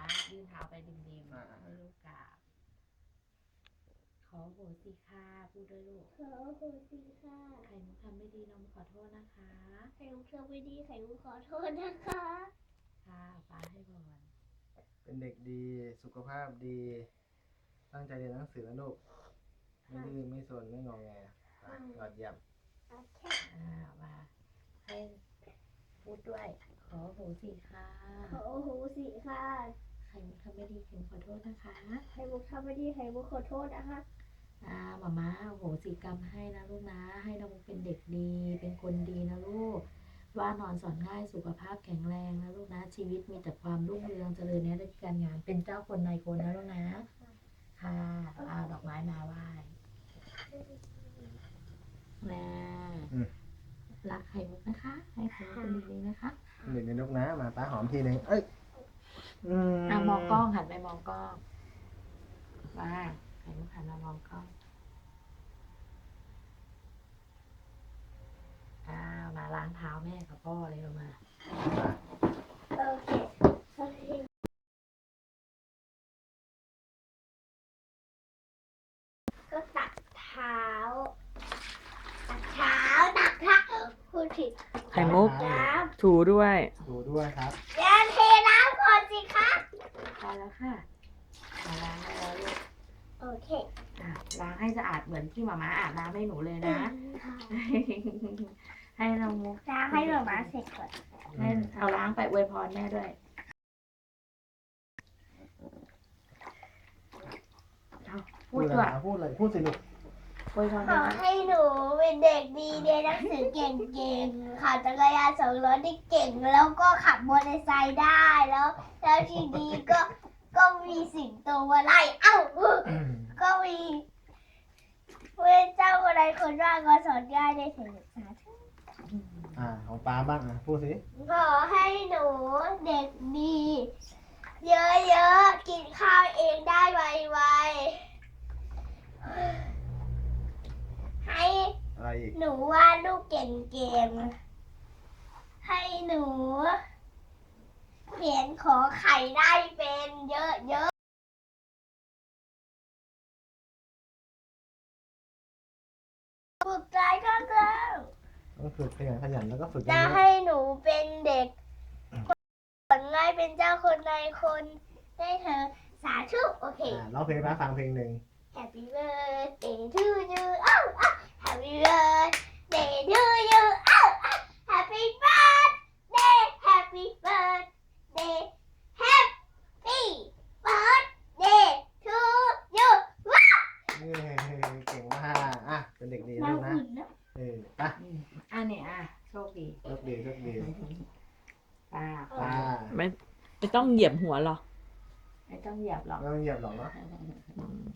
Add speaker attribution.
Speaker 1: ยื่นเท้าไปดิมให้ลูกกราบขอโหสิค่ะพูดด้วยลูก
Speaker 2: ขอโหสิค่ะ
Speaker 1: ไข่มุกทำไม่ดีน้องขอโทษนะคะ
Speaker 2: ไข่มุกทำไม่ดีไข่มุกขอโทษนะคะ
Speaker 1: ค่ะป้าให้พร
Speaker 3: เป็นเด็กดีสุขภาพดีตั้งใจเรียนหนังสือนะลูกไม่ดื้อไม่ซนไม่งอแงยอดเยี่ยม
Speaker 2: โอเค
Speaker 1: มาให้พูดด้วยขอโหสิค่ะ
Speaker 2: ขอโหสิค่ะ
Speaker 1: ไข่มุกทำไม่ดีไข่มุกขอโทษนะคะ
Speaker 2: ไข่มุกทำไม่ดีไข่มุกขอโทษนะคะ
Speaker 1: หม่าโหสิกรรมให้นะลูกนะให้น้องมุกเป็นเด็กดีเป็นคนดีนะลูกว่านอนสอนง่ายสุขภาพแข็งแรงนะลูกนะชีวิตมีแต่ความรุ่งเรืองเจริญในด้านการงานเป็นเจ้าคนนายคนนะลูกนะค่ะเอาดอกไม้มาไหว้นะรักไข่มุกนะคะให้ไข่มุกเป็นดีๆนะคะ
Speaker 3: เด็กในลูกนะมาป้าหอมทีนึงเอ้ย
Speaker 1: มองกล้องหันไปมองกล้องมาไข่มุกหันมามองกล้องมาล้างเท้าแม่กับพ่อเลยมา
Speaker 2: โอเคก็ตักเท้าตักเท้าพูดผิด
Speaker 1: ไข่มุกถูด้วย
Speaker 3: ครับ
Speaker 2: อย่าเทน้ำก่อนสิคะ
Speaker 1: พอแล้วค่ะล้างได้แล้วลูก
Speaker 2: โอเค
Speaker 1: ล้างให้สะอาดเหมือนที่หม่าอาบน้ำให้หนูเลยนะให้น้องมุก
Speaker 2: ล้างให้หมาเสร็จก่อน
Speaker 1: ให้เอาล้างไปอวยพรแม่ด้วย
Speaker 3: พูดเลยพูดสิลูก
Speaker 1: อวยพร
Speaker 2: ขอให้หนูเป็นเด็กดีเรียนหนังสือเก่งๆขับจักรยาน2 ล้อได้เก่งแล้วก็ขับมอเตอร์ไซค์ได้แล้วทีนี้ก็มีสิงโตมาไล่ก็มีเว้เจ้าอะไรคนว่าก็สอนง่ายได้ถึงสาธุ
Speaker 3: ของป้าบ้างพูดสิ
Speaker 2: ขอให้หนูเด็กดีเยอะๆกินข้าวเองได้ไวๆให้หนูวาดรูปเก่งๆให้หนูเขียนขอไข่ได้เป็นเยอะๆฝึกใจก็แล้ว
Speaker 3: ต้องฝึกขยันแล้วก็ฝึก
Speaker 2: จะให้หนูเป็นเด็กสอนง่ายเป็นเจ้าคนนายคนได้เธอสาธุโอเค
Speaker 3: ร้องเพลงป้าฟังเพลงหนึ่ง
Speaker 2: Happy birthday to you Happy birthday to you Happy birthday Happy birthday Happy birthday to you
Speaker 3: เก่งมากเป็นเด็กดีลูกนะ
Speaker 1: ป่ะเนี่ยโชคดีป้า
Speaker 4: ไม่ต้องเหยียบหัวหรอ
Speaker 1: ไม่ต้องเหยียบหรอก
Speaker 3: ไม่ต้องเหยียบหรอกเนาะ